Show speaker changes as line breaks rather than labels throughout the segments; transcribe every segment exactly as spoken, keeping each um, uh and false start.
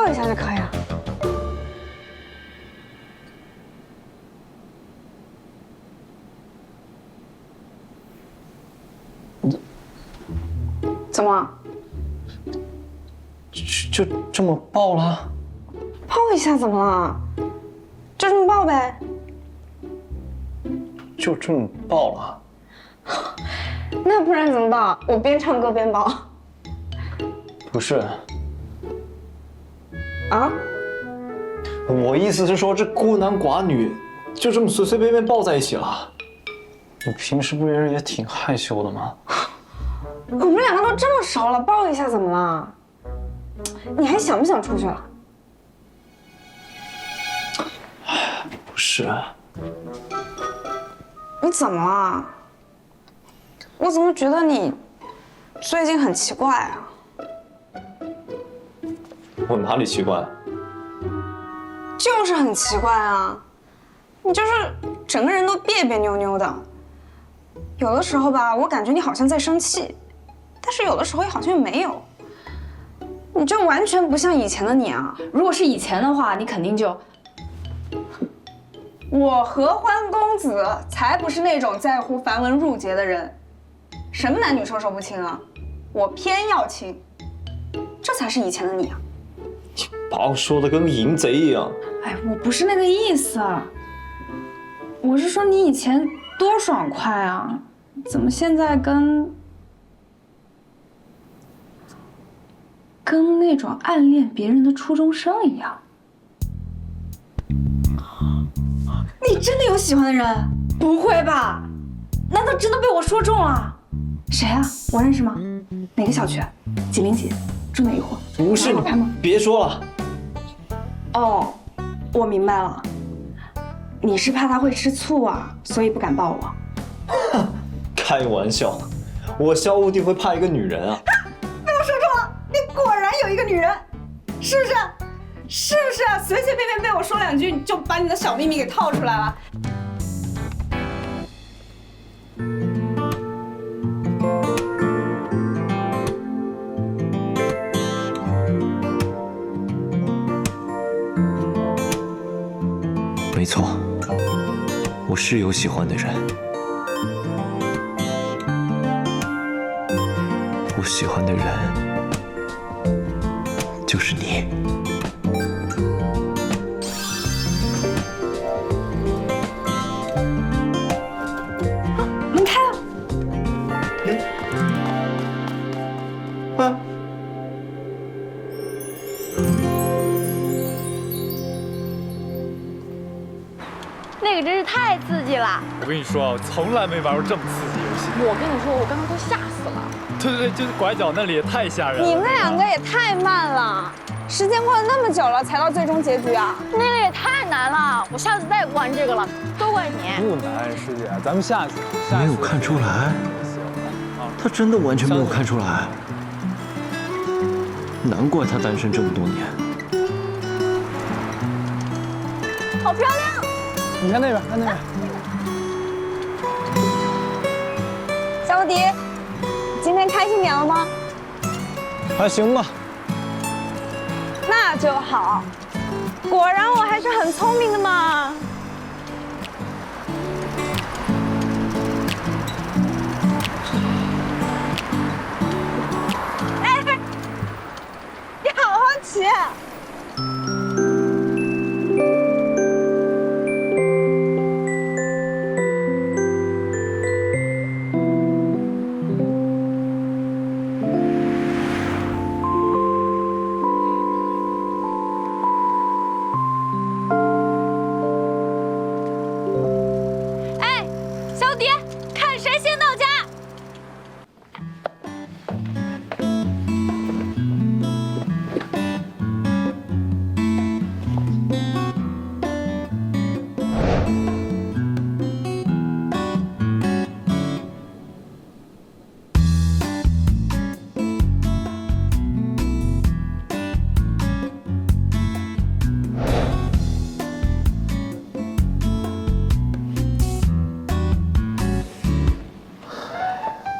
抱一下就可以了。怎么了？
就就这么抱了？
抱一下怎么了？就这么抱呗。
就这么抱了？
那不然怎么抱？我边唱歌边抱。
不是。
啊？
我意思是说，这孤男寡女就这么随随便便抱在一起了。你平时不是也挺害羞的吗？
我们两个都这么熟了，抱一下怎么了？你还想不想出去了？
不是。
你怎么了？我怎么觉得你最近很奇怪啊？
我哪里奇怪？
就是很奇怪啊！你就是整个人都别别扭扭的，有的时候吧，我感觉你好像在生气，但是有的时候也好像又没有。你就完全不像以前的你啊！
如果是以前的话，你肯定就……
我合欢公子才不是那种在乎繁文缛节的人，什么男女授受不亲啊，我偏要亲，这才是以前的你啊！
你把我说的跟个淫贼一样。
哎，我不是那个意思，我是说你以前多爽快啊，怎么现在跟跟那种暗恋别人的初中生一样？你真的有喜欢的人？不会吧？难道真的被我说中了？谁啊？我认识吗？哪个小区？几零几？住哪一户？
不是你，别说了。
哦，我明白了，你是怕他会吃醋啊，所以不敢抱我。
开玩笑，我萧无敌会怕一个女人啊？
被我说中了，你果然有一个女人，是不是？是不是？随随便便被我说两句，就把你的小秘密给套出来了。
没错，我是有喜欢的人，我喜欢的人就是你。
门开了。
啊！
那个真是太刺激了！
我跟你说啊，我从来没玩过这么刺激游戏。
我跟你说，我刚刚都吓死了。
对对对，就是拐角那里也太吓人了。
你们两个也太慢了，时间过了那么久了才到最终结局啊！
那个也太难了，我下次再也不玩这个了，都怪你。
不难，师姐，咱们下次。
没有看出来，他真的完全没有看出来，难怪他单身这么多年。
好漂亮！
你看那边，看那边。
小无敌，今天开心点了吗？
还行吧。
那就好，果然我还是很聪明的嘛。哎，你好好骑。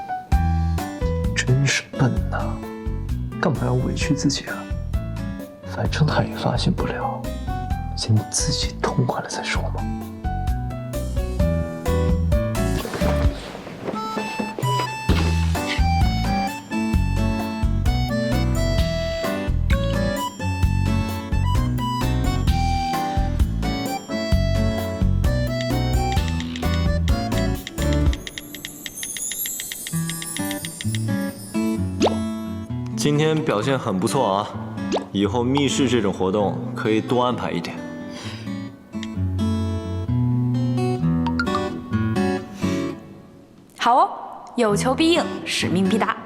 真是笨呐，干嘛要委屈自己啊？ 反正他也发现不了，先自己痛快了再说嘛。
今天表现很不错啊，以后密室这种活动可以多安排一点。
好哦，有求必应，使命必达。